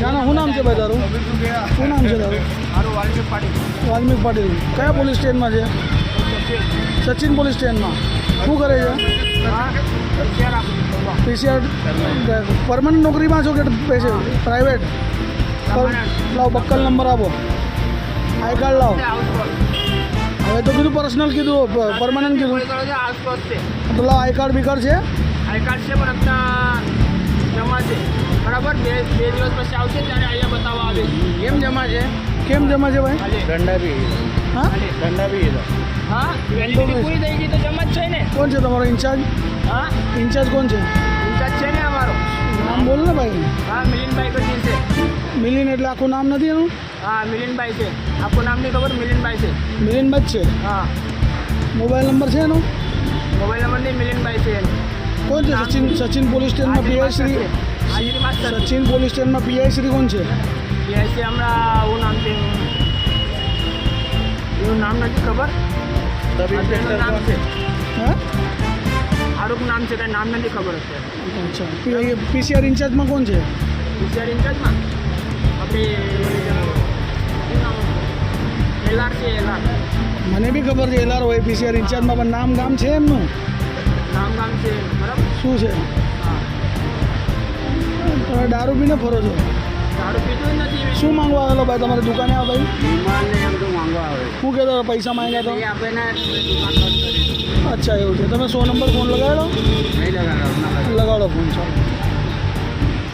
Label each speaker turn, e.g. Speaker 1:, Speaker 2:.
Speaker 1: ક્યાંના શું નામ છે ભાઈ તારું? શું નામ છે તારું?
Speaker 2: મારું વાલ્મીક પાટીલ.
Speaker 1: વાલ્મીક પાટીલ. કયા પોલીસ સ્ટેશનમાં છે? સચિન પોલીસ સ્ટેશનમાં. શું કરે છે? પીસીઆર પરમનન્ટ નોકરીમાં છો કે પૈસે પ્રાઇવેટ? લાવો બક્કલ નંબર આપો, આઈ કાર્ડ લાવો. હવે તો કીધું પર્સનલ કીધું, પરમનન્ટ કીધું તો લાવો. આઈ કાર્ડ બી કાર્ડ છે?
Speaker 2: આઈ કાર્ડ છે પણ અત્યારે જમા છે. બરાબર, બે દિવસ પછી આવશે ત્યારે અહીંયા બતાવવા આવે. કેમ જમા છે?
Speaker 1: કેમ જમા છે ભાઈ?
Speaker 2: દંડા બી.
Speaker 1: હા
Speaker 2: દંડા બી. હા, વેલિડિટી પૂરી થઈ ગઈ તો જમા જ છે ને.
Speaker 1: કોણ છે તમારો ઇન્ચાર્જ?
Speaker 2: હા,
Speaker 1: ઇન્ચાર્જ કોણ છે?
Speaker 2: ઇન્ચાર્જ છે ને અમારો.
Speaker 1: નામ બોલ ને ભાઈ.
Speaker 2: હા, મિલિનભાઈ કરી છે.
Speaker 1: મિલિન એટલે આખું નામ નથી એનું?
Speaker 2: હા, મિલિનભાઈ છે. આખું નામ નહીં ખબર, મિલિનભાઈ છે.
Speaker 1: મિલિનભાઈ જ છે?
Speaker 2: હા.
Speaker 1: મોબાઈલ નંબર છે એનો?
Speaker 2: મોબાઈલ નંબર નહીં, મિલિનભાઈ છે.
Speaker 1: કોણ છે? સચિન પોલીસ સ્ટેશનમાં પીઆઈ શ્રી.
Speaker 2: હાજરી માસ્ટર.
Speaker 1: સચિન પોલીસ સ્ટેશનમાં પીઆઈ શ્રી કોણ છે?
Speaker 2: પીઆઈ છે હમણાં એવું નામ છે, એવું નામ નથી ખબર. નામ છે,
Speaker 1: હા
Speaker 2: આરોપ નામ છે, કાંઈ નામ નથી ખબર અત્યારે.
Speaker 1: અચ્છા. પીસીઆર ઇન્ચાર્જમાં કોણ છે?
Speaker 2: પીસીઆર ઇન્ચાર્જમાં આપણે એલઆર છે. એલઆર
Speaker 1: મને બી ખબર છે એલઆર હોય પીસીઆર ઇન્ચાર્જમાં, પણ નામ ગામ છે એમનું?
Speaker 2: નામ ગામ છે. બરાબર.
Speaker 1: શું છે?
Speaker 2: હા,
Speaker 1: તમે દારૂ પીને ફરો છો?
Speaker 2: દારૂ પીધું જ નથી.
Speaker 1: શું માંગવા આવેલો ભાઈ તમારી દુકાને? આ ભાઈ
Speaker 2: વિમાનને એમ તો માંગવા આવે.
Speaker 1: શું કહેતો પૈસા માંગ્યા તો?
Speaker 2: એ આપણે ને દુકાન બંધ કરી.
Speaker 1: અચ્છા એવું છે. તમે 100 નંબર ફોન લગાવેલો?
Speaker 2: નહીં લગાડો.
Speaker 1: લગાડો ફોન, ચાલો.